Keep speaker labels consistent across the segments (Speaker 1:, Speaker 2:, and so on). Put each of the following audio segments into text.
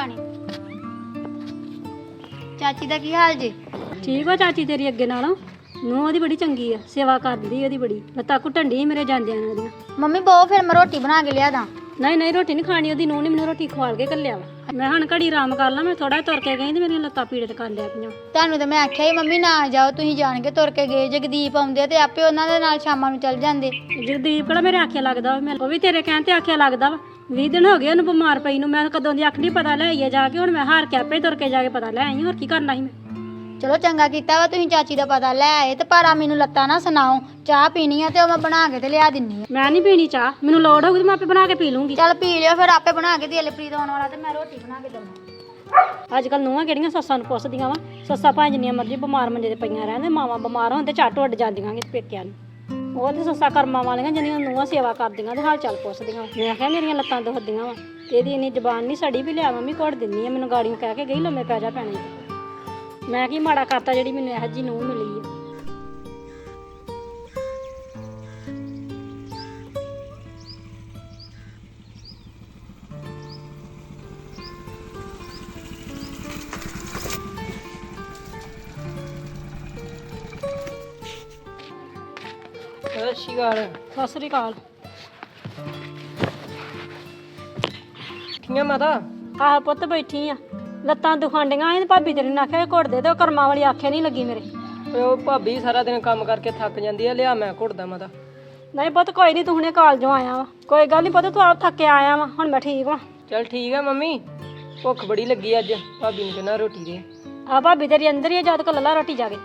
Speaker 1: पानी। चाची दा की हाल जी?
Speaker 2: ठीक हो चाची तेरी अगे नालों? नूंह ओहदी बड़ी चंगी आ, सेवा करदी ओहदी बड़ी। लत्तां घुट्टन डी मेरे जांदियां ने ओहदियां।
Speaker 1: मम्मी बहु फिर मैं रोटी बना के लिया दा।
Speaker 2: नहीं नहीं रोटी नहीं खानी, ओहदी नूंह ने मैनूं रोटी खवाल के घल्लिया वा। मैं हुण घड़ी आराम कर ला, मैं थोड़ा तुर के गई ते मेरियां लत्तां पीड़ कर लिया पियां।
Speaker 1: ਤੁਹਾਨੂੰ ਤਾਂ ਮੈਂ ਆਖਿਆ ਹੀ ਮੰਮੀ ਨਾ ਜਾਓ, ਤੁਸੀਂ ਜਾਣ ਕੇ ਤੁਰ ਕੇ ਗਏ। ਜਗਦੀਪ ਆਉਂਦੇ ਤੇ ਆਪੇ ਉਹਨਾਂ ਦੇ ਨਾਲ ਸ਼ਾਮਾਂ ਨੂੰ ਚੱਲ ਜਾਂਦੇ।
Speaker 2: ਜਗਦੀਪ ਕਿਹੜਾ ਮੇਰੇ ਆਖਿਆ ਲੱਗਦਾ ਵਾ, ਮੈਂ ਉਹ ਵੀ ਤੇਰੇ ਕਹਿਣ ਤੇ ਆਖਿਆ ਲੱਗਦਾ ਵਾ। 20 ਦਿਨ ਹੋ ਗਏ ਉਹਨੂੰ ਬਿਮਾਰ ਪਈ ਨੂੰ, ਮੈਂ ਕਦੋਂ ਦੀ ਆਖਣੀ ਪਤਾ ਲੈ ਆਈਏ ਜਾ ਕੇ। ਹੁਣ ਮੈਂ ਹਾਰ ਕੇ ਆਪੇ ਤੁਰ ਕੇ ਜਾ ਕੇ ਪਤਾ ਲੈ ਆਈ, ਹੋਰ ਕੀ ਕਰਨਾ ਸੀ ਮੈਂ।
Speaker 1: ਚਲੋ ਚੰਗਾ ਕੀਤਾ ਵਾ ਤੁਸੀਂ ਚਾਚੀ ਦਾ ਪਤਾ ਲੈ ਆਏ। ਤੇ ਪਰ ਆ ਮੈਨੂੰ ਲੱਤਾਂ ਨਾ ਸੁਣਾਓ, ਚਾਹ ਪੀਣੀ ਆ ਤੇ ਉਹ ਮੈਂ ਬਣਾ ਕੇ ਤੇ ਲਿਆ ਦਿੰਨੀ ਆ।
Speaker 2: ਮੈਂ ਨਹੀਂ ਪੀਣੀ ਚਾਹ, ਮੈਨੂੰ ਲੋੜ ਹੋਊਗੀ ਤੇ ਮੈਂ ਆਪੇ ਬਣਾ ਕੇ ਪੀ ਲੂੰਗੀ।
Speaker 1: ਚੱਲ ਪੀ ਲਿਓ ਫਿਰ, ਆਪੇ ਬਣਾ ਕੇ ਦਿਲਪ੍ਰੀਤ ਆਉਣ ਵਾਲਾ ਤੇ ਮੈਂ ਰੋਟੀ ਬਣਾ ਕੇ ਦਵਾਂ।
Speaker 2: ਅੱਜ ਕੱਲ ਨੂੰਹਾਂ ਕਿਹੜੀਆਂ ਸੱਸਾਂ ਨੂੰ ਪੁੱਛਦੀਆਂ ਵਾ। ਸੱਸਾਂ ਭਾਵੇਂ ਜਿੰਨੀਆਂ ਮਰਜ਼ੀ ਬਿਮਾਰ ਮੰਜੇ ਤੇ ਪਈਆਂ ਰਹਿੰਦੇ, ਮਾਵਾਂ ਬਿਮਾਰ ਹੋਣ ਤੇ ਝੱਟ ਉੱਡ ਜਾਂਦੀਆਂ ਪੇਕਿਆਂ ਨੂੰ। ਉਹ ਤੇ ਸੱਸਾਂ ਕਰਮਾਂ ਵਾਲੀਆਂ ਜਿਹਦੀਆਂ ਨੂੰਹਾਂ ਸੇਵਾ ਕਰਦੀਆਂ ਤੇ ਹਾਲ ਚਾਲ ਪੁੱਛਦੀਆਂ। ਮੈਂ ਆਖਿਆ ਮੇਰੀਆਂ ਲੱਤਾਂ ਦੁਖਦੀਆਂ ਵਾ ਤੇ ਇਹਦੀ ਇੰਨੀ ਜ਼ਬਾਨ ਨਹੀਂ ਸੜੀ ਵੀ ਲਿਆ ਮੰਮੀ ਘੁੱਟ ਦਿੰਦੀ ਆ। ਮੈਨੂੰ ਗਾੜੀਆਂ ਕਹਿ ਕੇ ਗਈ ਲੰਮੇ ਪੈ ਜਾ ਪੈਣੇ। ਮੈਂ ਕੀ ਮਾੜਾ ਕਰਤਾ ਜਿਹੜੀ ਮੈਨੂੰ ਇਹੋ ਜਿਹੀ ਨੂੰਹ ਮਿਲੀ ਆ। ਸਤਿ ਸ਼੍ਰੀ ਅਕਾਲ।
Speaker 3: ਕਿਵੇਂ ਮਾਤਾ?
Speaker 2: ਆਹ ਪੁੱਤ ਬੈਠੀ ਆ, ਲੱਤਾਂ ਦੁਖਾਂਡੀਆਂ ਸੀ ਤੇ ਭਾਬੀ ਤੇਰੇ ਨੇ ਆਖਿਆ ਘੁੱਟ ਦੇ ਤੇ ਉਹ ਕਰਮਾਂ ਵਾਲੀ ਆਖੇ ਨਹੀਂ ਲੱਗੀ ਮੇਰੇ।
Speaker 3: ਉਹ ਭਾਬੀ ਸਾਰਾ ਦਿਨ ਕੰਮ ਕਰਕੇ ਥੱਕ ਜਾਂਦੀ ਆ, ਲਿਆ ਮੈਂ ਘੁੱਟਦਾ ਮਾਤਾ।
Speaker 2: ਨਹੀਂ ਪੁੱਤ ਕੋਈ ਨਹੀਂ, ਤੂੰ ਹੁਣੇ ਕਾਲਜੋਂ ਆਇਆ ਵਾ, ਕੋਈ ਗੱਲ ਨਹੀਂ ਪੁੱਤ, ਤੂੰ ਆਪ ਥੱਕੇ ਆਇਆ ਵਾ। ਹੁਣ ਮੈਂ ਠੀਕ ਵਾਂ।
Speaker 3: ਚੱਲ ਠੀਕ ਆ ਮੰਮੀ, ਭੁੱਖ ਬੜੀ ਲੱਗੀ ਅੱਜ, ਭਾਬੀ ਨੂੰ ਕਹਿੰਦਾ ਰੋਟੀ ਦੇ।
Speaker 2: ਆ ਭਾਬੀ ਤੇਰੀ ਅੰਦਰ ਹੀ ਆ, ਜਦ ਕੋ ਲੱਲਾ ਰੋਟੀ ਜਾ ਕੇ।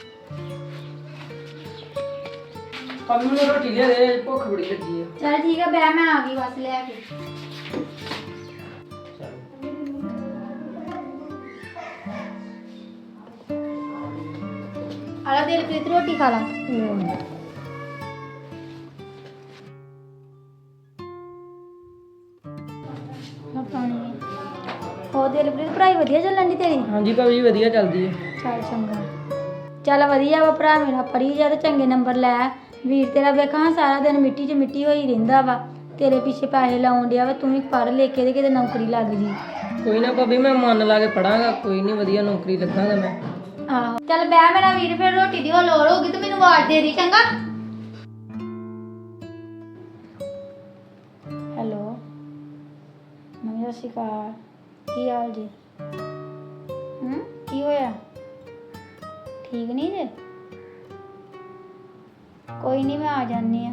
Speaker 3: ਭਾਬੀ ਨੂੰ ਰੋਟੀ ਲਿਆ ਦੇ, ਭੁੱਖ ਬੜੀ ਲੱਗੀ ਆ।
Speaker 1: ਚੱਲ ਠੀਕ ਆ ਬੈ, ਮੈਂ ਆ ਗਈ ਬਸ ਲੈ ਕੇ। ਆਲਾ ਦਿਲਪ੍ਰੀਤ ਰੋਟੀ ਖਾ ਲਾ। ਹੋ ਦਿਲਪ੍ਰੀਤ ਪੜ੍ਹਾਈ ਵਧੀਆ ਚੱਲਣ ਦੀ ਤੇਰੀ?
Speaker 3: ਹਾਂਜੀ ਭਾਬੀ ਵਧੀਆ ਚੱਲਦੀ ਹੈ।
Speaker 1: ਚੱਲ ਚੰਗਾ, ਚੱਲ ਵਧੀਆ ਵਾ ਭਰਾ ਮੇਰਾ, ਪੜ੍ਹੀ ਜਾ ਤੇ ਚੰਗੇ ਨੰਬਰ ਲੈ। ਵੀਰ ਤੇਰਾ ਵੇਖਾਂ ਸਾਰਾ ਦਿਨ ਮਿੱਟੀ 'ਚ ਮਿੱਟੀ ਹੋਈ ਰਹਿੰਦਾ ਵਾ, ਤੇਰੇ ਪਿੱਛੇ ਪੈਸੇ ਲਾਉਣ ਡਿਆ ਵਾ। ਤੂੰ ਵੀ ਪੜ੍ਹ ਲਿਖ ਕੇ ਤੇ ਕਿਤੇ ਨੌਕਰੀ ਲੱਗ ਜੀ।
Speaker 3: ਕੋਈ ਨਾ ਭਾਬੀ, ਮੈਂ ਮਨ ਲਾ ਕੇ ਪੜਾਂਗਾ, ਕੋਈ ਨਹੀਂ ਵਧੀਆ ਨੌਕਰੀ ਲੱਗਾਂਗਾ ਮੈਂ।
Speaker 1: ਆਹੋ ਚੱਲ ਬਹਿ ਮੇਰਾ ਵੀਰ, ਫਿਰ ਰੋਟੀ ਦੀ ਹੋ ਲੋੜ ਹੋਊਗੀ ਤੇ ਮੈਨੂੰ ਆਵਾਜ਼ ਦੇ ਦੀ ਚੰਗਾ। ਹੈਲੋ ਮੰਮੀ ਸਤਿ ਸ਼੍ਰੀ ਅਕਾਲ, ਕੀ ਹਾਲ ਜੀ? ਕੀ ਹੋਇਆ? ਠੀਕ ਨਹੀਂ ਜੇ? ਕੋਈ ਨਹੀਂ, ਮੈਂ ਆ ਜਾਂਦੀ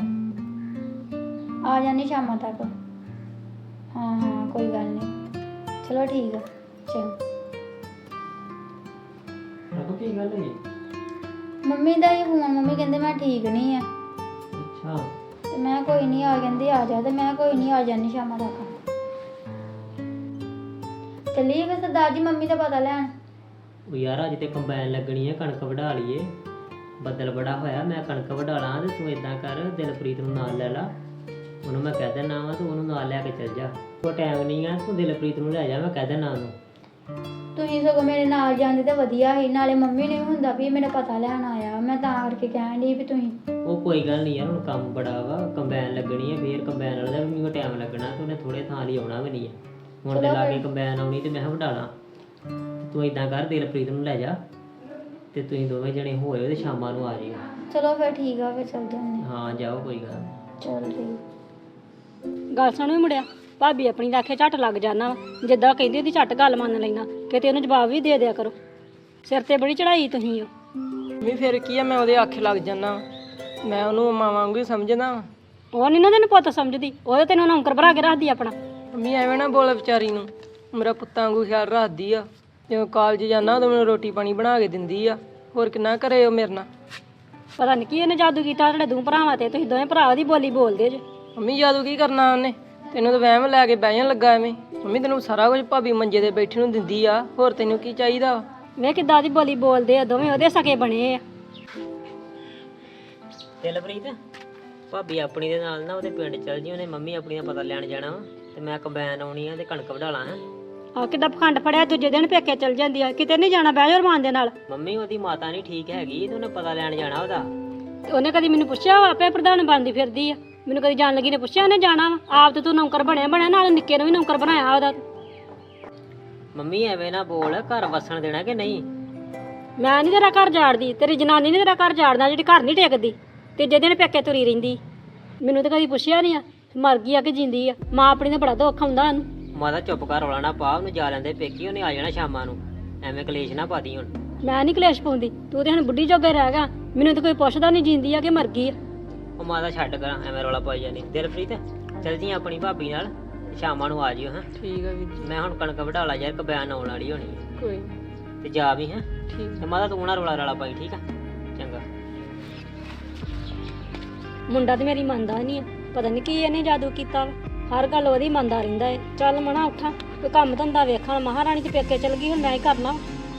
Speaker 1: ਆ ਜਾਂਦੀ ਸ਼ਾਮਾਂ ਤੱਕ। ਹਾਂ ਕੋਈ ਗੱਲ ਨਹੀਂ, ਚਲੋ ਠੀਕ ਆ। ਚੰਗਾ।
Speaker 3: ਕੀ ਗੱਲ ਹੈ?
Speaker 1: ਮੰਮੀ ਦਾ ਹੀ ਫੋਨ, ਮੰਮੀ ਕਹਿੰਦੇ ਮੈਂ ਠੀਕ ਨਹੀਂ ਆ।
Speaker 3: ਅੱਛਾ,
Speaker 1: ਤੇ ਮੈਂ ਕੋਈ ਨਹੀਂ, ਆ ਕਹਿੰਦੇ ਆ ਜਾ, ਤੇ ਮੈਂ ਕੋਈ ਨਹੀਂ ਆ ਜਾਂਦੀ ਸ਼ਾਮਾਂ ਤੱਕ। ਚੱਲੀਏ ਫਿਰ ਸਰਦਾਰ ਜੀ ਮੰਮੀ ਦਾ ਪਤਾ ਲੈਣ।
Speaker 4: ਉਹ ਯਾਰ ਅੱਜ ਤੇ ਕੰਬਾਈਨ ਲੱਗਣੀ ਹੈ, ਕਣਕ ਵਢਾ ਲਈਏ। ਬੱਦਲ ਬੜਾ ਹੋਇਆ, ਮੈਂ ਕਣਕ ਵਢਾ ਲਾਂ ਤੇ ਤੂੰ ਇਦਾਂ ਕਰ, ਦਿਲਪ੍ਰੀਤ ਨੂੰ ਨਾਲ ਲੈ ਲਾ। ਉਹਨੂੰ ਮੈਂ ਕਹਿ ਦੇਣਾ ਵਾ, ਤੂੰ ਉਹਨੂੰ ਨਾਲ ਲੈ ਕੇ ਚੱਲ ਜਾ। ਕੋਈ ਟਾਈਮ ਨਹੀਂ ਆ, ਤੂੰ ਦਿਲਪ੍ਰੀਤ ਨੂੰ ਲੈ ਜਾ, ਮੈਂ ਕਹਿ ਦੇਣਾ ਉਹਨੂੰ।
Speaker 1: ਤੁਸੀਂ ਸਗੋਂ ਮੇਰੇ ਨਾਲ ਜਾਂਦੇ ਤਾਂ ਵਧੀਆ ਸੀ, ਨਾਲੇ ਮੰਮੀ ਨੇ ਵੀ ਹੁੰਦਾ ਵੀ ਮੇਰਾ ਪਤਾ ਲੈਣ ਆਇਆ। ਮੈਂ ਤਾਂ ਕਰਕੇ ਕਹਿਣ ਡਈ ਵੀ ਤੁਸੀਂ।
Speaker 4: ਉਹ ਕੋਈ ਗੱਲ ਨਹੀਂ ਯਾਰ, ਹੁਣ ਕੰਮ ਬੜਾ ਵਾ, ਕੰਬਾਈਨ ਲੱਗਣੀ ਹੈ, ਫੇਰ ਕੰਬਾਈਨ ਵਾਲੇ ਦਾ ਵੀ ਮੈਨੂੰ ਟਾਈਮ ਲੱਗਣਾ ਤੇ ਉਹਨੇ ਥੋੜੇ ਥਾਂ ਲਈ ਆਉਣਾ ਵੀ ਨਹੀਂ ਹੈ। ਹੁਣ ਤੇ ਲਾ ਕੇ ਕੰਬਾਈਨ ਆਉਣੀ ਤੇ ਮੈਂ ਕਿਹਾ ਵਢਾ ਲਾਂ। ਤੂੰ ਇਦਾਂ ਕਰ, ਦਿਲਪ੍ਰੀਤ ਨੂੰ ਲੈ ਜਾ ਤੇ ਤੁਸੀਂ ਦੋਵੇਂ ਜਣੇ ਹੋਏ ਤੇ ਸ਼ਾਮਾਂ ਨੂੰ ਆ ਜਾਈਓ।
Speaker 1: ਚਲੋ ਫਿਰ ਠੀਕ ਆ, ਫਿਰ ਚੱਲ ਜਾਂਦੇ।
Speaker 4: ਹਾਂ ਜਾਓ, ਕੋਈ ਗੱਲ ਨਹੀਂ।
Speaker 1: ਚਲ ਠੀਕ।
Speaker 2: ਗੱਲ ਸੁਣ ਵੀ ਮੁੜਿਆ, ਭਾਬੀ ਆਪਣੀ ਦਾ ਆਖੇ ਝੱਟ ਲੱਗ ਜਾਣਾ ਵਾ, ਜਿੱਦਾਂ ਕਹਿੰਦੀ ਉਹਦੀ ਝੱਟ ਗੱਲ ਮੰਨ ਲੈਣਾ, ਕਿਤੇ ਉਹਨੂੰ ਜਵਾਬ ਵੀ ਦੇ ਦਿਆ ਕਰੋ। ਸਿਰ ਤੇ ਬੜੀ ਚੜਾਈ ਤੁਸੀਂ
Speaker 3: ਮੰਮੀ ਫਿਰ ਕੀ ਆ, ਮੈਂ ਉਹਦੇ ਆਖੇ ਲੱਗ ਜਾਣਾ, ਮੈਂ ਉਹਨੂੰ ਮਾਂ ਵਾਂਗੂ ਹੀ ਸਮਝਦਾ।
Speaker 2: ਉਹ ਨਹੀਂ ਨਾ ਤੈਨੂੰ ਪੁੱਤ ਸਮਝਦੀ, ਉਹਦੇ ਤੈਨੂੰ ਨੌਕਰ ਬਣਾ ਕੇ ਰੱਖਦੀ ਆਪਣਾ।
Speaker 3: ਮੰਮੀ ਐਵੇਂ ਨਾ ਬੋਲ ਵਿਚਾਰੀ ਨੂੰ, ਮੇਰਾ ਪੁੱਤਾਂ ਵਾਂਗੂ ਖਿਆਲ ਰੱਖਦੀ ਆ। ਜਦੋਂ ਕਾਲਜ ਜਾਂਦਾ ਉਦੋਂ ਮੈਨੂੰ ਰੋਟੀ ਪਾਣੀ ਬਣਾ ਕੇ ਦਿੰਦੀ ਆ, ਹੋਰ ਕਿੰਨਾ ਕਰੇ ਉਹ ਮੇਰੇ ਨਾਲ।
Speaker 2: ਪਤਾ ਨਹੀਂ ਕੀ ਇਹਨੇ ਜਾਦੂ ਕੀਤਾ ਤੁਹਾਡੇ ਦੋ ਭਰਾਵਾਂ ਤੇ, ਤੁਸੀਂ ਦੋਵੇਂ ਭਰਾ ਉਹਦੀ ਬੋਲੀ ਬੋਲਦੇ ਜੇ।
Speaker 3: ਮੰਮੀ ਜਾਦੂ ਕੀ ਕਰਨਾ ਉਹਨੇ, ਤੈਨੂੰ ਤਾਂ ਵਹਿਮ ਲੈ ਕੇ ਬਹਿ ਜਾਣ ਲੱਗਾ ਐਵੇਂ। ਮੰਮੀ ਤੈਨੂੰ ਸਾਰਾ ਕੁਝ ਭਾਬੀ ਮੰਜੇ ਤੇ ਬੈਠੀ ਨੂੰ ਦਿੰਦੀ ਆ, ਹੋਰ ਤੈਨੂੰ ਕੀ ਚਾਹੀਦਾ ਵਾ?
Speaker 2: ਵੇ ਕਿੱਦਾਂ ਦੀ ਬੋਲੀ ਬੋਲਦੇ ਆ, ਦੋਵੇਂ ਉਹਦੇ ਸਕੇ ਬਣੇ ਆ।
Speaker 4: ਦਿਲਪ੍ਰੀਤ ਭਾਬੀ ਆਪਣੀ ਦੇ ਨਾਲ ਨਾ ਉਹਦੇ ਪਿੰਡ ਚੱਲ ਜੀ, ਉਹਨੇ ਮੰਮੀ ਆਪਣੀ ਦਾ ਪਤਾ ਲੈਣ ਜਾਣਾ ਵਾ ਤੇ ਮੈਂ ਕੰਬਾਈਨ ਆਉਣੀ ਆ ਤੇ ਕਣਕ ਵਢਾ ਲਾਂ।
Speaker 2: ਆ ਕਿੱਦਾਂ ਪਖੰਡ ਫੜਿਆ, ਦੂਜੇ ਦਿਨ ਪੇਕੇ ਚਲ ਜਾਂਦੀ ਆ, ਕਿਤੇ ਨਹੀਂ ਜਾਣਾ ਬਹਿ ਜਾ ਰਮਾਨ ਦੇ ਨਾਲ।
Speaker 4: ਮੰਮੀ ਉਹਦੀ ਮਾਤਾ ਨਹੀਂ ਠੀਕ ਹੈਗੀ ਤੇ ਉਹਨੇ ਪਤਾ ਲੈਣ ਜਾਣਾ ਉਹਦਾ।
Speaker 2: ਉਹਨੇ ਕਦੀ ਮੈਨੂੰ ਪੁੱਛਿਆ ਵਾ, ਆਪੇ ਪ੍ਰਧਾਨ ਬਣਦੀ ਫਿਰਦੀ ਆ। ਮੈਨੂੰ ਕਦੀ ਜਾਣ ਲੱਗੀ ਨੇ ਪੁੱਛਿਆ ਉਹਨੇ ਜਾਣਾ ਵਾ? ਆਪ ਤੇ ਤੂੰ ਨੌਕਰ ਬਣਿਆ ਨਾਲ ਨਿੱਕੇ ਨੂੰ ਵੀ ਨੌਕਰ ਬਣਾਇਆ ਉਹਦਾ।
Speaker 4: ਮੰਮੀ ਐਵੇਂ ਨਾ ਬੋਲ, ਘਰ ਵਸਣ ਦੇਣਾ ਕਿ ਨਹੀਂ?
Speaker 2: ਮੈਂ ਨਹੀਂ ਤੇਰਾ ਘਰ ਝਾੜਦੀ, ਤੇਰੀ ਜਨਾਨੀ ਨੇ ਤੇਰਾ ਘਰ ਝਾੜਨਾ ਜਿਹੜੀ ਘਰ ਨਹੀਂ ਟਿਕਦੀ। ਤੀਜੇ ਦਿਨ ਪੇਕੇ ਤੁਰੀ ਰਹਿੰਦੀ। ਮੈਨੂੰ ਤਾਂ ਕਦੀ ਪੁੱਛਿਆ ਨਹੀਂ ਆ ਮਰ ਗਈ ਆ ਕਿ ਜਿੰਦੀ ਆ। ਮਾਂ ਆਪਣੀ ਦਾ ਬੜਾ ਦੁੱਖ ਹੁੰਦਾ ਉਹਨੂੰ।
Speaker 4: ਮਾਤਾ ਚੁੱਪ ਕਰ, ਰੌਲਾ ਨਾ ਪਾ, ਉਹਨੂੰ ਜਾ ਲੈਂਦੇ ਪੇਕੀ, ਉਹਨੇ ਆ ਜਾਣਾ ਸ਼ਾਮਾਂ ਨੂੰ। ਐਵੇਂ ਕਲੇਸ਼ ਨਾ ਪਾਦੀ ਹੁਣ।
Speaker 2: ਮੈਂ ਨਹੀਂ ਕਲੇਸ਼ ਪਾਉਂਦੀ, ਤੂੰ ਤੇ ਹੁਣ ਬੁੱਢੀ ਜੋਗੇ ਰਹਿ ਗਿਆ। ਮੈਨੂੰ ਤਾਂ ਕੋਈ ਪੁੱਛਦਾ ਨਹੀਂ ਜਿੰਦੀ ਆ ਕਿ ਮਰ ਗਈ ਆ।
Speaker 4: ਉਹ ਮਾਤਾ ਛੱਡ ਕਰਾਂ, ਐਵੇਂ ਰੌਲਾ ਪਾਈ ਜਾਂਦੀ। ਦਿਲਪ੍ਰੀਤ ਚੱਲ ਜੀ ਆਪਣੀ ਭਾਬੀ ਨਾਲ, ਸ਼ਾਮਾਂ ਨੂੰ ਆ ਜਿਓ। ਹਾਂ
Speaker 3: ਠੀਕ ਆ ਵੀਰ ਜੀ।
Speaker 4: ਮੈਂ ਹੁਣ ਕਣਕ ਵਢਾ ਲਾ ਯਾਰ, ਕਬੈਨ ਆਉਣ ਵਾਲੀ ਹੋਣੀ ਹੈ।
Speaker 3: ਕੋਈ
Speaker 4: ਤੇ ਜਾ ਵੀ ਹੈ।
Speaker 3: ਠੀਕ।
Speaker 4: ਤੇ ਮਾਤਾ ਤੂੰ ਨਾ ਰੌਲਾ ਰਾਲਾ ਪਾਈ, ਠੀਕ ਆ? ਚੰਗਾ।
Speaker 2: ਮੁੰਡਾ ਤੇ ਮੇਰੀ ਮੰਨਦਾ ਨਹੀਂ ਆ, ਪਤਾ ਨਹੀਂ ਕੀ ਇਹਨੇ ਜਾਦੂ ਕੀਤਾ ਵਾ। ਹਰ ਗੱਲ ਉਹਦੀ ਮੰਨਦਾ ਰਹਿੰਦਾ ਏ। ਚੱਲ ਮਣਾ ਉੱਠਾਂ, ਕੋਈ ਕੰਮ ਧੰਦਾ ਵੇਖਣ। ਮਹਾਰਾਣੀ ਤੇ ਪੇਕੇ ਚਲ ਗਈ, ਹੁਣ ਮੈਂ ਹੀ ਕਰਨਾ।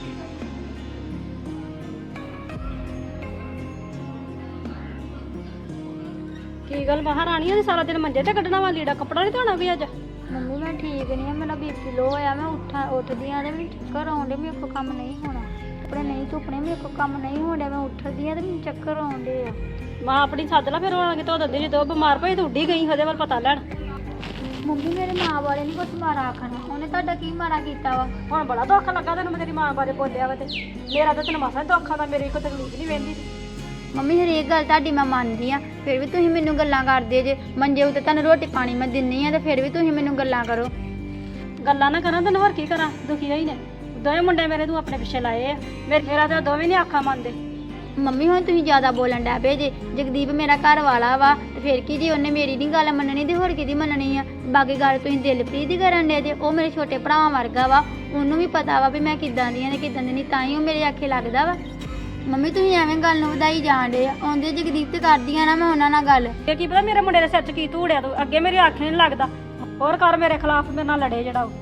Speaker 2: ਕੀ ਗੱਲ ਮਹਾਰਾਣੀ ਉਹਨੇ ਸਾਰਾ ਦਿਨ ਮੰਜੇ ਤੇ ਕੱਢਣਾ ਵਾ, ਲੀੜਾ ਕੱਪੜਾ ਨਹੀਂ ਧੋਣਾ ਵੀ ਅੱਜ?
Speaker 1: ਮੰਮੀ ਮੈਂ ਠੀਕ ਨਹੀਂ ਆ, ਮੇਰਾ ਬੀਪੀ ਲੋ ਹੋਇਆ। ਮੈਂ ਉੱਠਦੀ ਆ ਤੇ ਮੈਨੂੰ ਚੱਕਰ ਆਉਂਦੇ, ਮੇਰੇ ਕੋਲ ਕੰਮ ਨਹੀਂ ਹੋਣਾ। ਕੱਪੜੇ ਨਹੀਂ ਧੁੱਪਣੇ, ਮੇਰੇ ਕੋਲ ਕੰਮ ਨਹੀਂ ਹੋਣਾ। ਮੈਂ ਉੱਠਦੀ ਆ ਤੇ ਮੈਨੂੰ ਚੱਕਰ ਆਉਂਦੇ ਆ।
Speaker 2: ਮਾਂ ਆਪਣੀ ਸੱਦ ਲਾ, ਫਿਰ ਉਹਨਾਂ ਕੇ ਧੋ ਦਿੰਦੀ। ਜਦੋਂ ਬਿਮਾਰ ਪਈ ਤੂੰ ਉੱਡੀ ਗਈ ਉਹਦੇ ਵੱਲ ਪਤਾ ਲੈਣ।
Speaker 1: ਮੰਮੀ ਮੇਰੇ ਮਾਂ ਬਾਰੇ ਨਹੀਂ ਕੁਝ ਮਾੜਾ ਆਖਣਾ, ਉਹਨੇ ਤੁਹਾਡਾ ਕੀ ਮਾੜਾ ਕੀਤਾ ਵਾ?
Speaker 2: ਹੁਣ ਬੜਾ ਦੁੱਖ ਲੱਗਾ ਤੈਨੂੰ, ਮੈਂ ਤੇਰੀ ਮਾਂ ਬਾਰੇ ਬੋਲਿਆ ਵਾ ਤੇ ਮੇਰਾ ਤਾਂ ਤੈਨੂੰ ਮਸਾ ਦੁੱਖ ਆਉਂਦਾ, ਮੇਰੀ ਕੋਈ ਤਕਲੀਫ ਨਹੀਂ ਵਹਿੰਦੀ।
Speaker 1: ਮੰਮੀ ਹਰੇਕ ਗੱਲ ਤੁਹਾਡੀ ਮੈਂ ਮੰਨਦੀ ਆ, ਫਿਰ ਵੀ ਤੁਸੀਂ ਮੈਨੂੰ ਗੱਲਾਂ ਕਰਦੇ ਜੇ। ਮੰਜੇ ਉੱਤੇ ਤੁਹਾਨੂੰ ਰੋਟੀ ਪਾਣੀ ਮੈਂ ਦਿੰਨੀ ਆ ਤੇ ਫਿਰ ਵੀ ਤੁਸੀਂ ਮੈਨੂੰ ਗੱਲਾਂ ਕਰੋ।
Speaker 2: ਗੱਲਾਂ ਨਾ ਕਰਾਂ ਤੈਨੂੰ ਹੋਰ ਕੀ ਕਰਾਂ, ਦੁਖੀ ਹੋਈ ਨੇ। ਦੋਵੇਂ ਮੁੰਡੇ ਮੇਰੇ ਤੂੰ ਆਪਣੇ ਪਿੱਛੇ ਲਾਏ ਆ, ਮੇਰਾ ਤਾਂ ਦੋਵੇਂ ਨਹੀਂ ਆਖਾਂ ਮੰਨਦੇ।
Speaker 1: ਮੰਮੀ ਹੁਣ ਤੁਸੀਂ ਜ਼ਿਆਦਾ ਬੋਲਣ ਡੈ ਪਏ ਜੇ। ਜਗਦੀਪ ਮੇਰਾ ਘਰ ਵਾਲਾ ਵਾ ਤੇ ਫਿਰ ਕੀ ਜੀ, ਉਹਨੇ ਮੇਰੀ ਨਹੀਂ ਗੱਲ ਮੰਨਣੀ ਤੇ ਹੋਰ ਕਿਹਦੀ ਮੰਨਣੀ ਆ? ਬਾਕੀ ਗੱਲ ਤੁਸੀਂ ਦਿਲਪ੍ਰੀਤ ਦੀ ਕਰਨ ਦੇ ਜੇ। ਉਹ ਮੇਰੇ ਛੋਟੇ ਭਰਾਵਾਂ ਵਰਗਾ ਵਾ, ਉਹਨੂੰ ਵੀ ਪਤਾ ਵਾ ਵੀ ਮੈਂ ਕਿੱਦਾਂ ਦੀ ਆ ਤੇ ਕਿੱਦਾਂ ਦੀ ਨਹੀਂ, ਤਾਂ ਹੀ ਉਹ ਮੇਰੇ ਆਖੇ ਲੱਗਦਾ ਵਾ। ਮੰਮੀ ਤੁਸੀਂ ਐਵੇਂ ਗੱਲ ਨੂੰ ਵਧਾਈ ਜਾਣ ਡੇ ਆ। ਆਉਂਦੇ ਜਗਦੀਪ ਤੇ ਕਰਦੀ ਆ ਨਾ ਮੈਂ ਉਹਨਾਂ ਨਾਲ ਗੱਲ।
Speaker 2: ਇਹ ਕੀ ਪਤਾ ਮੇਰੇ ਮੁੰਡੇ ਦੇ ਸਿਰ 'ਚ ਕੀ ਧੂੜਿਆ ਤੂੰ, ਅੱਗੇ ਮੇਰੀ ਅੱਖ ਨਹੀਂ ਲੱਗਦਾ। ਹੋਰ ਕਰ ਮੇਰੇ ਖਿਲਾਫ ਮੇਰੇ ਨਾਲ ਲੜੇ ਜਿਹੜਾ ਉਹ।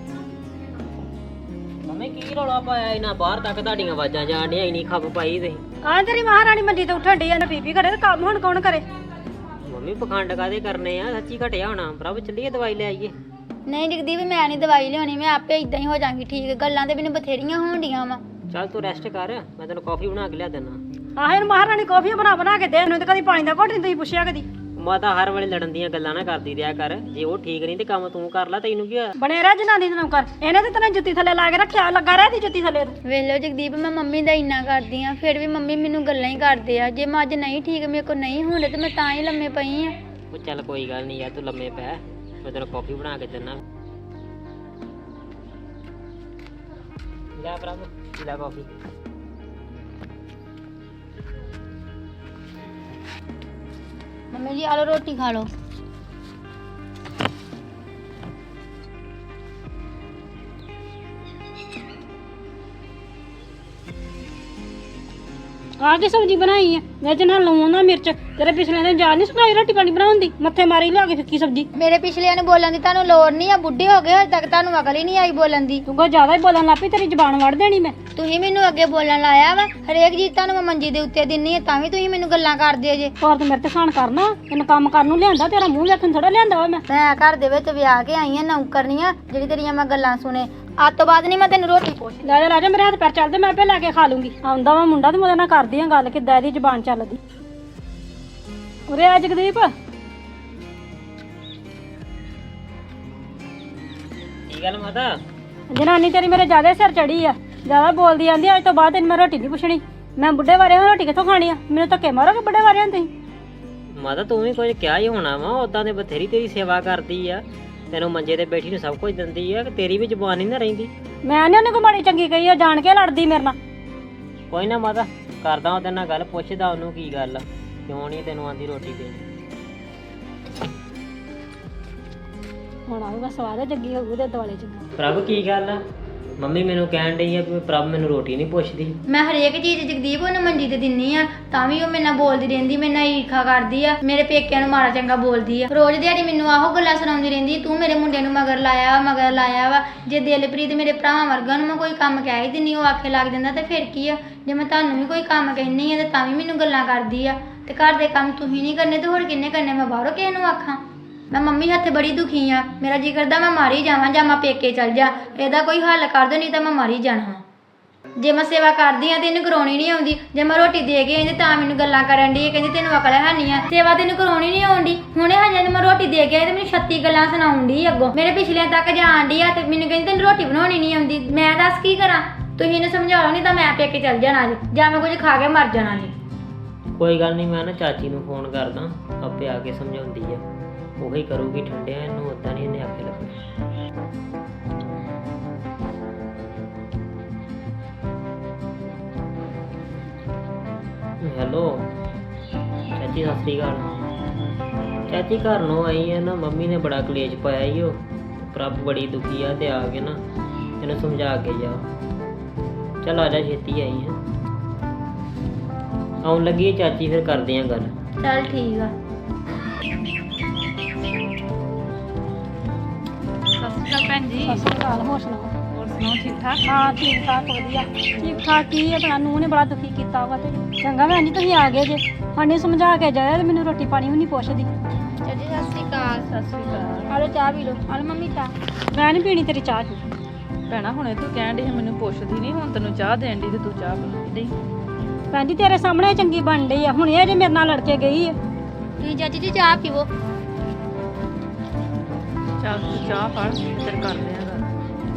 Speaker 4: ਮੰਮੀ ਕੀ ਰੌਲਾ ਪਾਇਆ ਇਹਨਾਂ? ਬਾਹਰ ਤੱਕ ਤੁਹਾਡੀਆਂ ਆਵਾਜ਼ਾਂ ਜਾਣ ਡੀਆਂ, ਇੰਨੀ ਖੱਪ ਪਾਈ ਤੁਸੀਂ।
Speaker 2: ਆਹ ਤੇਰੀ ਮਹਾਰਾਣੀ ਮੰਜੀ ਤੇ ਉੱਠਣ ਡਈ ਆ, ਨਾ ਬੀਬੀ ਘਰੇ ਤੇ ਕੰਮ ਹੁਣ ਕੌਣ ਕਰੇ?
Speaker 4: ਮੰਮੀ ਪਖੰਡ ਕਾਹਦੇ ਕਰਨੇ ਆ? ਸੱਚੀ ਘਟਿਆ ਹੋਣਾ। ਪ੍ਰਭ ਚੱਲੀਏ ਦਵਾਈ ਲੈ ਆਈਏ।
Speaker 1: ਨਹੀਂ ਜਗਦੀਪ ਮੈਂ ਨਹੀਂ ਦਵਾਈ ਲਿਆਉਣੀ, ਮੈਂ ਆਪੇ ਇਦਾਂ ਹੀ ਹੋ ਜਾਵਾਂਗੀ ਠੀਕ। ਗੱਲਾਂ ਤੇ ਮੈਨੂੰ ਬਥੇਰੀਆਂ ਹੋਣ ਡੀਆਂ ਵਾ।
Speaker 4: ਚੱਲ ਤੂੰ ਰੈਸਟ ਕਰ, ਮੈਂ ਤੈਨੂੰ ਕਾਫੀ ਬਣਾ ਕੇ ਲਿਆ ਦਿੰਦਾ।
Speaker 2: ਆਹ ਇਹਨੂੰ ਮਹਾਰਾਣੀ ਕੌਫੀ ਬਣਾ ਕੇ ਦੇ। ਇਹਨੂੰ ਤੇ ਕਦੀ ਪਾਣੀ ਦਾ ਘੁੱਟ ਨਹੀਂ ਤੁਸੀਂ ਪੁੱਛਿਆ ਕਦੀ।
Speaker 4: ਮਾਤਾ ਹਰ ਵੇਲੇ ਲੜਨ ਦੀਆਂ ਗੱਲਾਂ ਨਾ ਕਰਦੀ ਰਿਹਾ ਕਰ। ਜੇ ਉਹ ਠੀਕ ਨਹੀਂ ਤੇ ਕੰਮ ਤੂੰ ਕਰ ਲੈ, ਤੈਨੂੰ ਕੀ ਹੋਇਆ?
Speaker 2: ਬਣੇ ਰਹਿ ਜਨਾਨੀ ਨੂੰ ਕਰ। ਇਹਨੇ ਤੇ ਤੈਨੂੰ ਜੁੱਤੀ ਥੱਲੇ ਲਾ ਕੇ ਰੱਖਿਆ, ਲੱਗਾ ਰਹਿ ਦੀ ਜੁੱਤੀ ਥੱਲੇ।
Speaker 1: ਵੇਖ ਲਓ ਜਗਦੀਪ ਮੈਂ ਮੰਮੀ ਦਾ ਇੰਨਾ ਕਰਦੀ ਆ, ਫਿਰ ਵੀ ਮੰਮੀ ਮੈਨੂੰ ਗੱਲਾਂ ਹੀ ਕਰਦੇ ਆ। ਜੇ ਮੈਂ ਅੱਜ ਨਹੀਂ ਠੀਕ, ਮੇਰੇ ਕੋਲ ਨਹੀਂ ਹੁੰਦੇ ਤੇ ਮੈਂ ਤਾਂ ਹੀ ਲੰਮੇ ਪਈ ਆ।
Speaker 4: ਉਹ ਚੱਲ ਕੋਈ ਗੱਲ ਨਹੀਂ ਯਾਰ, ਤੂੰ ਲੰਮੇ ਪੈ, ਮੈਂ ਤੈਨੂੰ ਕਾਫੀ ਬਣਾ ਕੇ ਦਿੰਦਾ। ਲੈ ਪ੍ਰਭ ਲੈ ਕਾਫੀ।
Speaker 1: ਮੰਮੀ ਜੀ ਆ ਲਓ ਰੋਟੀ ਖਾ ਲਓ।
Speaker 2: ਆਹ ਕੀ ਸਬਜ਼ੀ ਬਣਾਈ ਆ? ਵਿੱਚ ਨਾ ਲੂਣ ਨਾ ਮਿਰਚ। ਤੇਰੇ ਪਿਛਲੇ ਦਿਨ ਜਾਨ ਨਹੀਂ ਸੁਣਾਈ ਰੋਟੀ ਪਾਣੀ ਬਣਾਉਣ ਦੀ? ਮੱਥੇ ਮਾਰੀ ਲਿਆ ਕੇ ਫਿੱਕੀ ਸਬਜ਼ੀ।
Speaker 1: ਮੇਰੇ ਪਿਛਲਿਆਂ ਨੂੰ ਬੋਲਣ ਦੀ ਤੁਹਾਨੂੰ ਲੋੜ ਨਹੀਂ ਆ, ਬੁੱਢੇ ਹੋ ਗਏ ਹਜੇ ਤੱਕ ਤੁਹਾਨੂੰ ਅਕਲ ਹੀ ਨਹੀਂ ਆਈ ਬੋਲਣ ਦੀ।
Speaker 2: ਤੂੰ ਕੋਈ ਜ਼ਿਆਦਾ ਹੀ ਬੋਲਣ ਲੱਗ ਪਈ, ਤੇਰੀ ਜ਼ਬਾਨ ਵੜ ਦੇਣੀ ਮੈਂ।
Speaker 1: ਤੁਸੀਂ ਮੈਨੂੰ ਅੱਗੇ ਬੋਲਣ ਲਾਇਆ ਵਾ। ਹਰੇਕ ਚੀਜ਼ ਤੁਹਾਨੂੰ ਮੈਂ ਮੰਜੀ ਦੇ ਉੱਤੇ ਦਿੰਨੀ ਆ, ਤਾਂ ਵੀ ਤੁਸੀਂ ਮੈਨੂੰ ਗੱਲਾਂ ਕਰਦੇ ਜੇ।
Speaker 2: ਹੋਰ ਤੂੰ ਮੇਰੇ ਤੇ ਖਾਣ ਕਰਨਾ, ਤੈਨੂੰ ਕੰਮ ਕਰਨ ਨੂੰ ਲਿਆਂਦਾ, ਤੇਰਾ ਮੂੰਹ ਵੇਖਣ ਥੋੜਾ ਲਿਆਂਦਾ ਵਾ ਮੈਂ।
Speaker 1: ਮੈਂ ਘਰ ਦੇ ਵਿੱਚ ਵਿਆਹ ਕੇ ਆਈ ਆ ਨੌਕਰਨੀਆਂ, ਜਿਹੜੀ ਤੇਰੀਆਂ ਮੈਂ ਗੱਲਾਂ ਸੁਣੇ। ਅੱਜ ਤੋਂ ਬਾਅਦ ਨਹੀਂ ਮੈਂ ਤੈਨੂੰ ਰੋਟੀ ਪੁੱਛ।
Speaker 2: ਲੈ ਜਾ ਮੇਰੇ ਹੱਥ ਪੈਰ ਚੱਲਦੇ, ਮੈਂ ਆਪੇ ਲੈ ਕੇ ਖਾ ਲੂੰਗੀ। ਆਉਂਦਾ ਵਾ ਮੁੰਡਾ ਤੇ ਮੈਂ ਉਹਦੇ ਨਾਲ ਕਰਦੀ ਆ ਗੱਲ, ਕਿੱਦਾਂ ਇਹਦੀ ਜ਼ਬਾਨ ਚੱਲਦੀ। ਉਰੇ ਆ ਜਗਦੀਪ।
Speaker 4: ਕੀ ਗੱਲ ਮਾਤਾ?
Speaker 2: ਜਨਾਨੀ ਤੇਰੀ ਮੇਰੇ ਜ਼ਿਆਦਾ ਸਿਰ ਚੜੀ ਆ, ਜ਼ਿਆਦਾ ਬੋਲਦੀ ਆਂਦੀ। ਅੱਜ ਤੋਂ ਬਾਅਦ ਤੈਨੂੰ ਮੈਂ ਰੋਟੀ ਨਹੀਂ ਪੁੱਛਣੀ। ਮੈਂ ਬੁੱਢੇ ਵਾਰਿਆਂ ਰੋਟੀ ਕਿੱਥੋਂ ਖਾਣੀ ਆ? ਮੈਨੂੰ ਧੱਕੇ ਮਾਰੋਗੇ ਬੁੱਢੇ ਵਾਰਿਆਂ ਤੁਸੀਂ?
Speaker 4: ਮਾਤਾ ਤੂੰ ਵੀ ਕੁਝ ਕਿਹਾ ਹੀ ਹੋਣਾ ਵਾ, ਉਦਾਂ ਦੇ ਬਥੇਰੀ ਤੇਰੀ ਸੇਵਾ ਕਰਦੀ ਆ, ਤੈਨੂੰ ਮੰਜੇ ਤੇ ਬੈਠੀ ਨੂੰ ਸਭ ਕੁਝ ਦਿੰਦੀ ਆ, ਕਿ ਤੇਰੀ ਵੀ ਜ਼ੁਬਾਨ ਨਹੀਂ ਨਾ ਰਹਿੰਦੀ।
Speaker 2: ਮੈਂ ਨਹੀਂ ਉਹਨੇ ਕੋਈ ਮਾੜੀ ਚੰਗੀ ਕਹੀ, ਉਹ ਜਾਣ ਕੇ ਲੜਦੀ ਮੇਰੇ ਨਾਲ।
Speaker 4: ਕੋਈ ਨਾ ਮਾਤਾ, ਕਰਦਾ ਉਹਦੇ ਨਾਲ ਗੱਲ, ਪੁੱਛਦਾ ਉਹਨੂੰ ਕੀ ਗੱਲ ਆ, ਕਿਉਂ ਨਹੀਂ ਤੈਨੂੰ ਆਂਦੀ ਰੋਟੀ ਦੇਣੀ।
Speaker 2: ਹੁਣ ਆਊਗਾ ਸਵਾਦ, ਜੱਗੀ ਹੋਊ ਤੇ ਦੁਆਲੇ ਚੰਗਾ।
Speaker 4: ਪ੍ਰਭ ਕੀ ਗੱਲ ਆ? ਮੰਮੀ ਮੈਨੂੰ ਕਹਿਣ ਡਈ ਆ ਵੀ ਪ੍ਰਭ ਮੈਨੂੰ ਰੋਟੀ ਨਹੀਂ ਪੁੱਛਦੀ।
Speaker 1: ਮੈਂ ਹਰੇਕ ਚੀਜ਼ ਜਗਦੀਪ ਉਹਨੂੰ ਮੰਜੀ ਤੇ ਦਿੰਨੀ ਆ, ਤਾਂ ਵੀ ਉਹ ਮੇਰੇ ਨਾਲ ਬੋਲਦੀ ਰਹਿੰਦੀ, ਮੇਰੇ ਨਾਲ ਈਰਖਾ ਕਰਦੀ ਆ, ਮੇਰੇ ਪੇਕਿਆਂ ਨੂੰ ਮਾੜਾ ਚੰਗਾ ਬੋਲਦੀ ਆ। ਰੋਜ਼ ਦਿਹਾੜੀ ਮੈਨੂੰ ਆਹੋ ਗੱਲਾਂ ਸੁਣਾਉਂਦੀ ਰਹਿੰਦੀ, ਤੂੰ ਮੇਰੇ ਮੁੰਡੇ ਨੂੰ ਮਗਰ ਲਾਇਆ ਵਾ। ਜੇ ਦਿਲਪ੍ਰੀਤ ਮੇਰੇ ਭਰਾਵਾਂ ਵਰਗਾ ਨੂੰ ਮੈਂ ਕੋਈ ਕੰਮ ਕਹਿ ਹੀ ਦਿੰਨੀ, ਉਹ ਆਖੇ ਲੱਗ ਜਾਂਦਾ ਤੇ ਫਿਰ ਕੀ ਆ? ਜੇ ਮੈਂ ਤੁਹਾਨੂੰ ਵੀ ਕੋਈ ਕੰਮ ਕਹਿੰਨੀ ਆ ਤੇ ਤਾਂ ਵੀ ਮੈਨੂੰ ਗੱਲਾਂ ਕਰਦੀ ਆ। ਤੇ ਘਰ ਦੇ ਕੰਮ ਤੁਸੀਂ ਨਹੀਂ ਕਰਨੇ ਤੇ ਹੋਰ ਕਿੰਨੇ ਕਰਨੇ? ਮੈਂ ਬਾਹਰੋਂ ਕਿਸੇ ਨੂੰ ਆਖਾਂ? ਮੈਂ ਮੰਮੀ ਹੱਥੇ ਬੜੀ ਦੁਖੀ ਆ, ਮੇਰਾ ਜੀ ਕਰਦਾ ਮੈਂ ਮਾਰੀ ਜਾਵਾਂ ਜਾਂ ਮੈਂ ਪੇਕੇ ਚਲ ਜਾ। ਇਹਦਾ ਕੋਈ ਹੱਲ ਕਰ ਦਿਓ, ਨਹੀਂ ਤਾਂ ਮੈਂ ਮਾਰੀ ਜਾਣਾ। ਜੇ ਮੈਂ ਸੇਵਾ ਕਰਦੀ ਆ ਤੇ ਇਹਨੂੰ ਕਰਾਉਣੀ ਨਹੀਂ ਆਉਂਦੀ। ਜੇ ਮੈਂ ਰੋਟੀ ਦੇ ਕੇ ਆਈ ਤੇ ਤਾਂ ਮੈਨੂੰ ਗੱਲਾਂ ਕਰਨ ਦੀ ਕਹਿੰਦੀ ਤੈਨੂੰ ਅਕਲ ਹੈ ਨਹੀਂ ਆ, ਸੇਵਾ ਤੈਨੂੰ ਕਰਾਉਣੀ ਨਹੀਂ ਆਉਂਦੀ। ਹੁਣੇ ਹਜੇ ਨੂੰ ਮੈਂ ਰੋਟੀ ਦੇ ਕੇ ਆਈ ਤੇ ਮੈਨੂੰ 36 ਗੱਲਾਂ ਸੁਣਾਉਣ ਦੀ ਅੱਗੋਂ, ਮੇਰੇ ਪਿਛਲਿਆਂ ਤੱਕ ਜਾਣ ਦੀ ਆ ਤੇ ਮੈਨੂੰ ਕਹਿੰਦੀ ਤੈਨੂੰ ਰੋਟੀ ਬਣਾਉਣੀ ਨਹੀਂ ਆਉਂਦੀ। ਮੈਂ ਦੱਸ ਕੀ ਕਰਾਂ? ਤੁਸੀਂ ਇਹਨੂੰ ਸਮਝਾਓ, ਨਹੀਂ ਤਾਂ ਮੈਂ ਪੇਕੇ ਚੱਲ ਜਾਣਾ ਜੀ, ਜਾਂ ਮੈਂ ਕੁਝ ਖਾ ਕੇ ਮਰ ਜਾਣਾ ਜੀ।
Speaker 4: ਕੋਈ ਗੱਲ ਨਹੀਂ, ਮੈਂ ਨਾ ਚਾਚੀ ਨੂੰ ਫੋਨ ਕਰਦਾ, ਆਪੇ ਆ ਕੇ ਸਮਝਾਉਂਦੀ ਆ, ਉਹੀ ਕਰੂਗੀ ਠੰਡਿਆਂ, ਇਹਨੂੰ ਉਦਾਂ ਨਹੀਂ ਇਹਨੇ ਆਖੇ ਲੱਗਣਾ। ਹੈਲੋ ਚਾਚੀ, ਸਤਿ ਸ਼੍ਰੀ ਅਕਾਲ। ਚਾਚੀ ਘਰ ਨੂੰ ਆਈ ਹੈ ਨਾ, ਮੰਮੀ ਨੇ ਬੜਾ ਕਲੇਸ਼ ਪਾਇਆ ਈ, ਉਹ ਪ੍ਰਭ ਬੜੀ ਦੁਖੀ ਆ, ਤੇ ਆ ਕੇ ਨਾ ਇਹਨੂੰ ਸਮਝਾ ਕੇ ਜਾ। ਚੱਲ ਆ ਜਾ, ਛੇਤੀ ਆਈ ਹੈ, ਆਉਣ ਲੱਗੀ ਚਾਚੀ, ਫਿਰ ਕਰਦੇ ਆ ਗੱਲ।
Speaker 1: ਚੱਲ ਠੀਕ ਆ।
Speaker 2: ਭੈਣ ਜੀ, ਸਤਿ ਸ਼੍ਰੀ ਅਕਾਲ। ਹੋਰ ਸੁਣਾਓ? ਹੋਰ ਸੁਣਾਓ, ਠੀਕ ਠਾਕ? ਹਾਂ ਠੀਕ ਠਾਕ, ਵਧੀਆ। ਠੀਕ ਠਾਕ ਕੀ ਆਪਣਾ ਨੂੰਹ ਨੇ ਬੜਾ ਦੁਖੀ ਕੀਤਾ ਵਾ ਤੇ ਚੰਗਾ ਭੈਣ ਜੀ ਤੁਸੀਂ ਆ ਗਏ ਜੇ, ਸਾਨੂੰ ਸਮਝਾ ਕੇ ਜਾਇਆ ਤੇ ਮੈਨੂੰ ਰੋਟੀ ਪਾਣੀ ਵੀ ਨਹੀਂ ਪੁੱਛਦੀ।
Speaker 1: ਚਾਚੀ ਸਤਿ ਸ਼੍ਰੀ ਅਕਾਲ।
Speaker 2: ਸਤਿ ਸ਼੍ਰੀ ਅਕਾਲ।
Speaker 1: ਆਲੋ ਚਾਹ ਪੀ ਲਓ। ਆਲੋ ਮੰਮੀ ਚਾਹ।
Speaker 2: ਮੈਂ ਨਹੀਂ ਪੀਣੀ ਤੇਰੀ ਚਾਹ।
Speaker 5: ਭੈਣਾ ਹੁਣੇ ਤੂੰ ਕਹਿਣ ਡਈ ਸੀ ਮੈਨੂੰ ਪੁੱਛਦੀ ਨਹੀਂ, ਹੁਣ ਤੈਨੂੰ ਚਾਹ ਦੇਣ ਦੀ ਤੇ ਤੂੰ ਚਾਹ ਪੀਂਦੀ ਡਈ।
Speaker 2: ਭੈਣ ਜੀ ਤੇਰੇ ਸਾਹਮਣੇ ਚੰਗੀ ਬਣ ਰਹੀ ਆ, ਹੁਣ ਇਹ ਜੇ ਮੇਰੇ ਨਾਲ ਲੜ ਕੇ ਗਈ ਆ।
Speaker 1: ਤੁਸੀਂ ਚਾਚੀ ਜੀ ਚਾਹ ਪੀਵੋ।
Speaker 5: ਚੱਲ ਤੂੰ ਚਾਹ ਫੜ, ਫਿਰ ਕਰਦੇ ਆ ਗੱਲ।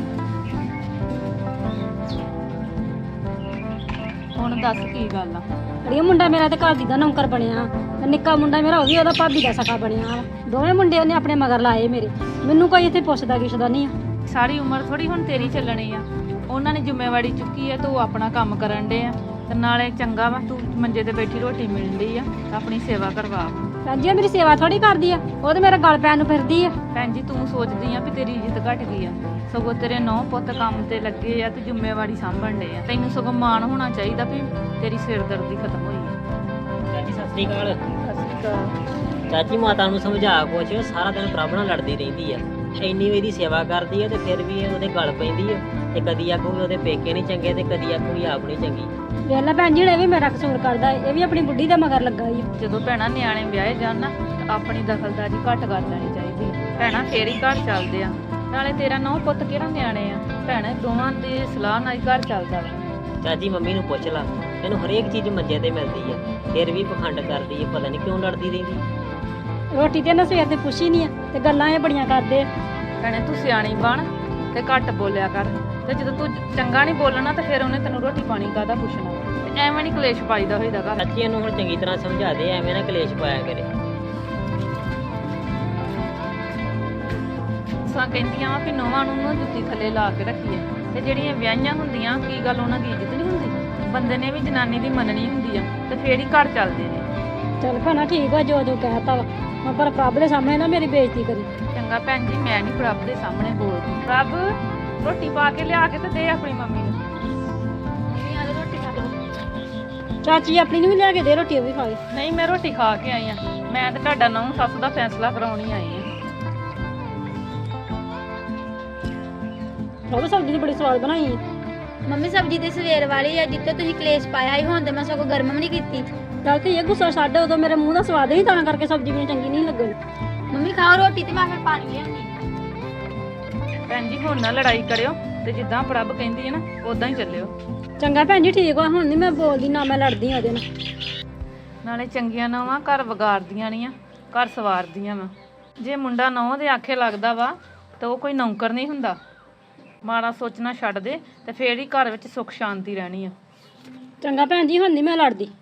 Speaker 5: ਹੁਣ ਦੱਸ ਕੀ ਗੱਲ ਆ?
Speaker 2: ਅੜੀਏ ਮੁੰਡਾ ਮੇਰਾ ਤੇ ਘਰ ਦੀ ਦਾ ਨੌਕਰ ਬਣਿਆ ਤੇ ਨਿੱਕਾ ਮੁੰਡਾ ਮੇਰਾ ਉਹ ਵੀ ਉਹਦਾ ਭਾਬੀ ਦਾ ਸਕਾ ਬਣਿਆ। ਦੋਵੇਂ ਮੁੰਡੇ ਉਹਨੇ ਆਪਣੇ ਮਗਰ ਲਾਏ ਮੇਰੇ, ਮੈਨੂੰ ਕੋਈ ਇੱਥੇ ਪੁੱਛਦਾ ਕਿਛਦਾ ਨਹੀਂ ਆ।
Speaker 5: ਸਾਰੀ ਉਮਰ ਥੋੜੀ ਹੁਣ ਤੇਰੀ ਚੱਲਣੀ ਆ, ਉਹਨਾਂ ਨੇ ਜ਼ਿੰਮੇਵਾਰੀ ਚੁੱਕੀ ਆ, ਤੂੰ ਆਪਣਾ ਕੰਮ ਕਰਨ ਡੇ ਆ, ਤੇ ਨਾਲੇ ਚੰਗਾ ਵਾ ਤੂੰ ਮੰਜੇ ਤੇ ਬੈਠੀ ਰੋਟੀ ਮਿਲਦੀ ਆ, ਆਪਣੀ ਸੇਵਾ ਕਰਵਾ।
Speaker 2: ਭੈਣ ਜੀ ਮੇਰੀ ਸੇਵਾ ਥੋੜੀ ਕਰਦੀ ਆ, ਉਹ ਤੇ ਮੇਰੇ ਗਲ ਪੈਣ ਨੂੰ ਫਿਰਦੀ ਆ।
Speaker 5: ਭੈਣ ਜੀ ਤੂੰ ਸੋਚਦੀ ਆ ਵੀ ਤੇਰੀ ਇੱਜ਼ਤ ਘਟ ਗਈ ਆ, ਸਗੋਂ ਤੇਰੇ ਨੌ ਪੁੱਤ ਕੰਮ ਤੇ ਲੱਗੇ ਆ ਤੇ ਜ਼ਿੰਮੇਵਾਰੀ ਸਾਂਭਣ ਡੇ ਆ, ਤੈਨੂੰ ਸਗੋਂ ਮਾਣ ਹੋਣਾ ਚਾਹੀਦਾ ਵੀ ਤੇਰੀ ਸਿਰਦਰਦੀ ਖਤਮ ਹੋਈ ਆ।
Speaker 4: ਚਾਚੀ ਸਤਿ ਸ਼੍ਰੀ ਅਕਾਲ।
Speaker 5: ਸਤਿ ਸ਼੍ਰੀ ਅਕਾਲ।
Speaker 4: ਚਾਚੀ ਮਾਤਾ ਨੂੰ ਸਮਝਾ ਕੁਛ, ਸਾਰਾ ਦਿਨ ਪ੍ਰਭ ਨਾਲ ਲੜਦੀ ਰਹਿੰਦੀ ਆ, ਇੰਨੀ ਵੀ ਇਹਦੀ ਸੇਵਾ ਕਰਦੀ ਆ ਤੇ ਫਿਰ ਵੀ ਉਹਦੇ ਗਲ ਪੈਂਦੀ ਆ, ਤੇ ਕਦੀ ਆਖੂਗੀ ਉਹਦੇ ਪੇਕੇ ਨਹੀਂ ਚੰਗੇ ਤੇ ਕਦੀ ਆਖੂਗੀ ਆਪ ਨਹੀਂ ਚੰਗੀ।
Speaker 2: ਵੇਖ ਲੈ ਭੈਣ ਜੀ ਇਹ ਵੀ ਮੇਰਾ ਕਸੂਰ ਕਰਦਾ, ਇਹ ਵੀ ਆਪਣੀ ਬੁੱਢੀ ਦੇ ਮਗਰ ਲੱਗਾ ਈ।
Speaker 5: ਜਦੋਂ ਭੈਣਾਂ ਨਿਆਣੇ ਵਿਆਹੇ ਜਾਣ ਨਾ ਤਾਂ ਆਪਣੀ ਦਖਲਅੰਦਾਜ਼ੀ ਘੱਟ ਕਰ ਲੈਣੀ ਚਾਹੀਦੀ। ਭੈਣਾਂ ਫੇਰ ਹੀ ਘਰ ਚੱਲਦੇ ਆ, ਨਾਲੇ ਤੇਰਾ ਨੌ ਪੁੱਤ ਕਿਹੜਾ ਨਿਆਣੇ ਆ, ਭੈਣੇ ਦੋਵਾਂ ਦੀ ਸਲਾਹ ਨਾਲ ਹੀ ਘਰ ਚੱਲਦਾ ਵਾ।
Speaker 4: ਚਾਚੀ ਮੰਮੀ ਨੂੰ ਪੁੱਛ ਲਾ, ਇਹਨੂੰ ਹਰੇਕ ਚੀਜ਼ ਮੰਜੇ ਤੇ ਮਿਲਦੀ ਆ, ਫਿਰ ਵੀ ਪਖੰਡ ਕਰਦੀ ਆ, ਪਤਾ ਨਹੀਂ ਕਿਉਂ ਲੜਦੀ ਰਹਿੰਦੀ।
Speaker 2: ਰੋਟੀ ਤੇ ਇਹਨਾਂ ਸਵੇਰ ਤੇ ਪੁੱਛੀ ਨਹੀਂ ਆ ਤੇ ਗੱਲਾਂ ਇਹ ਬੜੀਆਂ ਕਰਦੇ ਆ।
Speaker 5: ਭੈਣੇ ਤੂੰ ਸਿਆਣੀ ਬਣ ਤੇ ਘੱਟ ਬੋਲਿਆ ਕਰ, ਤੇ ਜਦੋਂ ਤੂੰ ਚੰਗਾ ਨਹੀਂ ਬੋਲਣਾ ਤਾਂ ਫਿਰ ਉਹਨੇ ਤੈਨੂੰ ਰੋਟੀ ਪਾਣੀ ਕਾਹਦਾ ਪੁੱਛਣਾ, ਤੇ ਐਵੇਂ ਨਹੀਂ ਕਲੇਸ਼ ਪਾਈਦਾ ਹੋਈਦਾ ਘਰ।
Speaker 4: ਚਾਚੀ ਇਹਨੂੰ ਹੁਣ ਚੰਗੀ ਤਰ੍ਹਾਂ ਸਮਝਾ ਦੇ, ਐਵੇਂ ਨਾ ਕਲੇਸ਼ ਪਾਇਆ ਕਰੇ।
Speaker 5: ਸਾਂ ਕਹਿੰਦੀਆਂ ਵਾ ਵੀ ਨੌਵਾਂ ਨੂੰ ਨਾ ਜੁੱਤੀ ਥੱਲੇ ਲਾ ਕੇ ਰੱਖੀਏ, ਤੇ ਜਿਹੜੀਆਂ ਵਿਆਹੀਆਂ ਹੁੰਦੀਆਂ ਕੀ ਗੱਲ ਉਹਨਾਂ ਦੀ ਇੱਜ਼ਤ ਨਹੀਂ ਹੁੰਦੀ? ਬੰਦੇ ਨੇ ਵੀ ਜਨਾਨੀ ਦੀ ਮੰਨਣੀ ਹੁੰਦੀ ਆ, ਤੇ ਫੇਰ ਹੀ ਘਰ ਚੱਲਦੇ ਨੇ।
Speaker 2: ਚੱਲ ਭੈਣਾ ਠੀਕ ਆ, ਜੋ ਜੋ ਕਹਿਤਾ ਵਾ, ਮੈਂ ਪਰ ਪ੍ਰਭ ਦੇ ਸਾਹਮਣੇ ਨਾ ਮੇਰੀ ਬੇਇੱਜ਼ਤੀ ਕਰੀ।
Speaker 5: ਚੰਗਾ ਭੈਣ ਜੀ, ਮੈਂ ਨਹੀਂ ਪ੍ਰਭ ਦੇ ਸਾਹਮਣੇ ਬੋਲਦੀ। ਪ੍ਰਭ ਰੋਟੀ ਪਾ ਕੇ ਲਿਆ ਕੇ ਤੇ ਦੇ ਆਪਣੀ ਮੰਮੀ ਨੂੰ।
Speaker 2: ਚਾਚੀ ਆਪਣੀ ਨੂੰ ਵੀ ਲਿਆ ਕੇ ਦੇ ਰੋਟੀ, ਉਹ ਵੀ ਖਾ ਲੈ।
Speaker 5: ਨਹੀਂ ਮੈਂ ਰੋਟੀ ਖਾ ਕੇ ਆਈ ਆ, ਮੈਂ ਤੇ ਤੁਹਾਡਾ ਨਹੁੰ ਸੱਸ ਦਾ ਫੈਸਲਾ ਕਰਾਉਣੀ ਆਈ ਆ।
Speaker 2: ਪ੍ਰਭ ਸਬਜ਼ੀ ਬੜੀ ਸਵਾਦ ਬਣਾਈ ਹੈ।
Speaker 1: ਮੰਮੀ ਸਬਜ਼ੀ ਤੇ ਸਵੇਰ ਵਾਲੀ ਆ, ਜਿੱਤੇ ਤੁਸੀਂ ਕਲੇਸ਼ ਪਾਇਆ ਸੀ, ਹੁਣ ਤੇ ਮੈਂ ਸਗੋਂ ਗਰਮ ਵੀ ਨਹੀਂ ਕੀਤੀ।
Speaker 2: ਚੱਲ ਤੇ ਇਹ ਗੁੱਸਾ ਛੱਡ, ਉਦੋਂ ਮੇਰੇ ਮੂੰਹ ਦਾ ਸਵਾਦ ਹੀ ਤਾਂ ਕਰਕੇ ਸਬਜ਼ੀ ਮੈਨੂੰ ਚੰਗੀ ਨਹੀਂ ਲੱਗਣੀ।
Speaker 1: ਮੰਮੀ ਖਾਓ ਰੋਟੀ ਤੇ ਮੈਂ ਫਿਰ ਪਾਣੀ ਲਿਆਉਂਦੀ।
Speaker 5: ਭੈਣ ਜੀ ਹੁਣ ਨਾ ਲੜਾਈ ਕਰਿਓ, ਤੇ ਜਿੱਦਾਂ ਪ੍ਰਭ ਕਹਿੰਦੀ ਹੈ ਨਾ ਉਦਾਂ ਹੀ ਚੱਲਿਓ।
Speaker 2: ਚੰਗਾ ਭੈਣ ਜੀ ਠੀਕ ਆ, ਹੁਣ ਨਹੀਂ ਮੈਂ ਬੋਲਦੀ, ਨਾ ਮੈਂ ਲੜਦੀ ਉਹਦੇ ਨਾਲ।
Speaker 5: ਨਾਲੇ ਚੰਗੀਆਂ ਨੌਵਾਂ ਘਰ ਵਿਗਾੜਦੀਆਂ ਨਹੀਂ ਆ, ਘਰ ਸਵਾਰਦੀਆਂ ਵਾ। ਜੇ ਮੁੰਡਾ ਨੌਂ ਦੇ ਆਖੇ ਲੱਗਦਾ ਵਾ ਤਾਂ ਉਹ ਕੋਈ ਨੌਕਰ ਨਹੀਂ ਹੁੰਦਾ। ਮਾੜਾ ਸੋਚਣਾ ਛੱਡ ਦੇ ਤੇ ਫੇਰ ਹੀ ਘਰ ਵਿੱਚ ਸੁੱਖ ਸ਼ਾਂਤੀ ਰਹਿਣੀ ਆ।
Speaker 2: ਚੰਗਾ ਭੈਣ ਜੀ ਹੁਣ ਨਹੀਂ ਮੈਂ ਲੜਦੀ।